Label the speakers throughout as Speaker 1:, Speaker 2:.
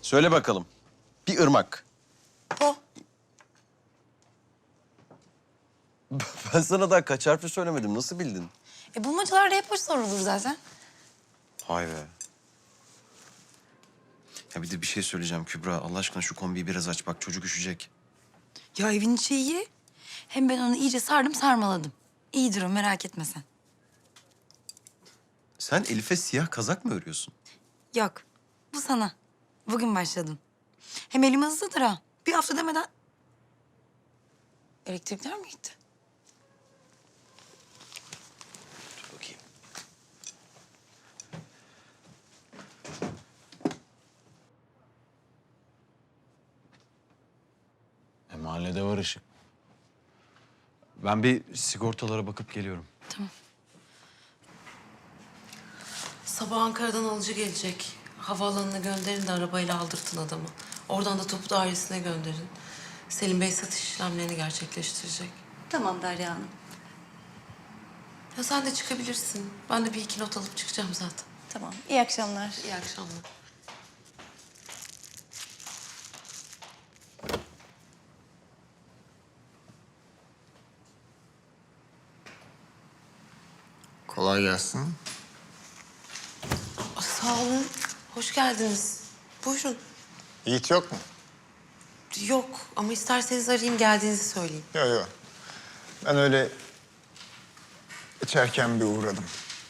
Speaker 1: Söyle bakalım. Bir ırmak.
Speaker 2: Po.
Speaker 1: Ben sana daha kaç harfi söylemedim. Nasıl bildin?
Speaker 2: Bulmacalarda hep baş sorulur zaten.
Speaker 1: Hay be. Ya bir de bir şey söyleyeceğim Kübra. Allah aşkına şu kombiyi biraz aç. Bak çocuk üşüyecek.
Speaker 2: Ya evin içi iyi. Hem ben onu iyice sardım sarmaladım. İyidir o, merak etme sen.
Speaker 1: Sen Elif'e siyah kazak mı örüyorsun?
Speaker 2: Yok, bu sana. Bugün başladım. Hem elim hızlıdır ha. Bir hafta demeden... Elektrikler mi gitti?
Speaker 1: Dur bakayım.
Speaker 3: Mahallede var ışık. Ben bir sigortalara bakıp geliyorum.
Speaker 2: Tamam.
Speaker 4: Sabah Ankara'dan alıcı gelecek. Havaalanına gönderin de arabayla aldırtın adamı. Oradan da tapu dairesine gönderin. Selim Bey satış işlemlerini gerçekleştirecek.
Speaker 5: Tamam Derya Hanım.
Speaker 4: Ya sen de çıkabilirsin. Ben de bir iki not alıp çıkacağım zaten.
Speaker 5: Tamam. İyi akşamlar.
Speaker 4: İyi akşamlar.
Speaker 6: Kolay gelsin.
Speaker 4: Sağ olun. Hoş geldiniz. Buyurun.
Speaker 6: Yiğit yok mu?
Speaker 4: Yok ama isterseniz arayayım geldiğinizi söyleyeyim.
Speaker 6: Yok yok. Ben öyle içerken bir uğradım.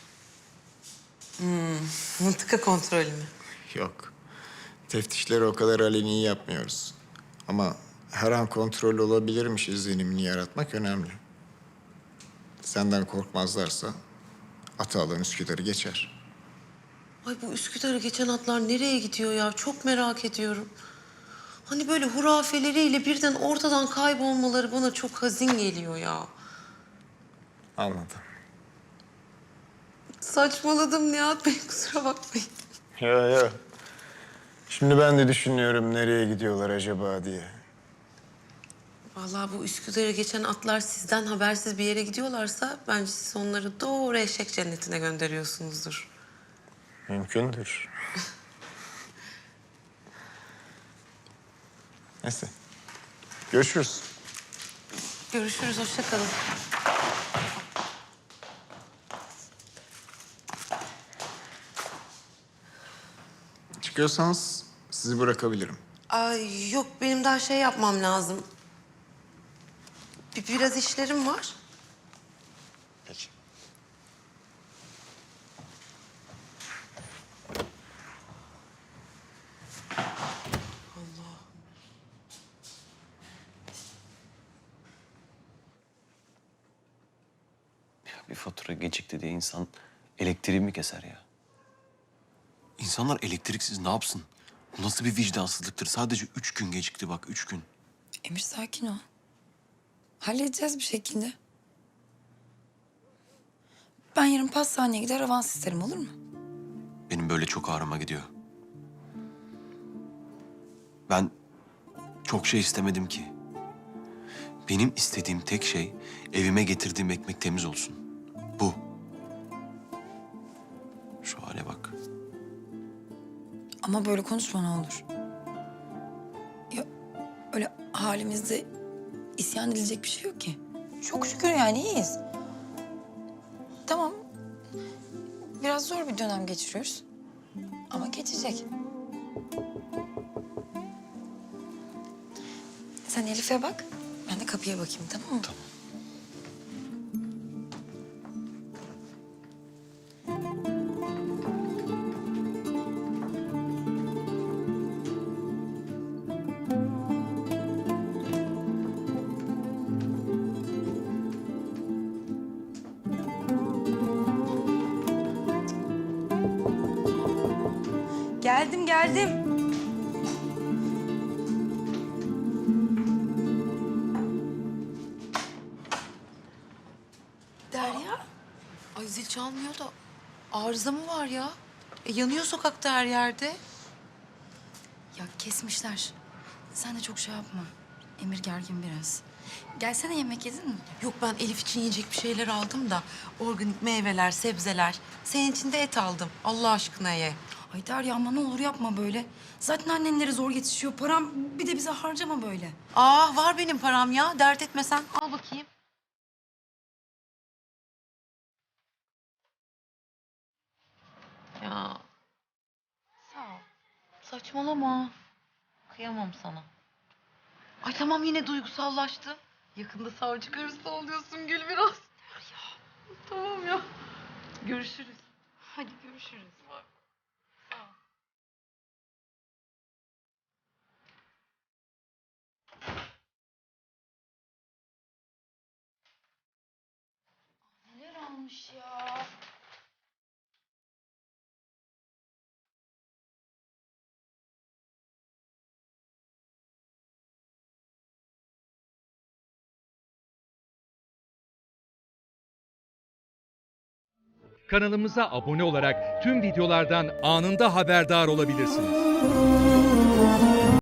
Speaker 4: Mıntıka kontrolü mü?
Speaker 6: Yok. Teftişleri o kadar aleni yapmıyoruz. Ama her an kontrol olabilirmiş izlenimini yaratmak önemli. Senden korkmazlarsa Atalan Üsküdar'ı geçer.
Speaker 4: Ay bu Üsküdar'a geçen atlar nereye gidiyor ya? Çok merak ediyorum. Hani böyle hurafeleriyle birden ortadan kaybolmaları bana çok hazin geliyor ya.
Speaker 6: Anladım.
Speaker 4: Saçmaladım Nihat Bey, kusura bakmayın.
Speaker 6: Yok yok. Şimdi ben de düşünüyorum nereye gidiyorlar acaba diye.
Speaker 4: Vallahi bu Üsküdar'a geçen atlar sizden habersiz bir yere gidiyorlarsa... ...bence siz onları doğru eşek cennetine gönderiyorsunuzdur.
Speaker 6: Mümkündür. Neyse. Görüşürüz.
Speaker 4: Görüşürüz, hoşça kalın.
Speaker 6: Çıkıyorsanız sizi bırakabilirim.
Speaker 4: Ay yok, benim daha şey yapmam lazım. Biraz işlerim var.
Speaker 6: Peki.
Speaker 1: Bir fatura gecikti diye insan elektriği mi keser ya? İnsanlar elektriksiz ne yapsın? Bu nasıl bir vicdansızlıktır? Sadece 3 gün gecikti bak, 3 gün.
Speaker 2: Emir sakin ol. Halledeceğiz bir şekilde. Ben yarın pastaneye gider avans isterim, olur mu?
Speaker 1: Benim böyle çok ağrıma gidiyor. Ben çok şey istemedim ki. Benim istediğim tek şey evime getirdiğim ekmek temiz olsun. Bu. Şu hale bak.
Speaker 2: Ama böyle konuşma ne olur. Ya öyle halimizde isyan edilecek bir şey yok ki. Çok şükür yani iyiyiz. Tamam. Biraz zor bir dönem geçiriyoruz. Ama geçecek. Sen Elif'e bak. Ben de kapıya bakayım, tamam mı?
Speaker 1: Tamam.
Speaker 5: Geldim geldim.
Speaker 4: Derya. Ay zil çalmıyor da arıza mı var ya? Yanıyor sokakta her yerde.
Speaker 2: Ya kesmişler. Sen de çok şey yapma. Emir gergin biraz. Gelsene, yemek yedin mi?
Speaker 4: Yok, ben Elif için yiyecek bir şeyler aldım da organik meyveler, sebzeler. Senin için de et aldım. Allah aşkına ye.
Speaker 2: Ay Derya ama ne olur yapma böyle. Zaten annenlere zor yetişiyor. Param bir de bize harcama böyle.
Speaker 4: Aa var benim param ya. Dert etme sen. Al bakayım. Ya. Sağ ol. Saçmalama. Kıyamam sana. Ay tamam yine duygusallaştı. Yakında savcı karısı oluyorsun Gül biraz. Ya. Tamam ya. Görüşürüz. Hadi görüşürüz. Sağ ol.
Speaker 2: Neler almış ya?
Speaker 7: Kanalımıza abone olarak tüm videolardan anında haberdar olabilirsiniz.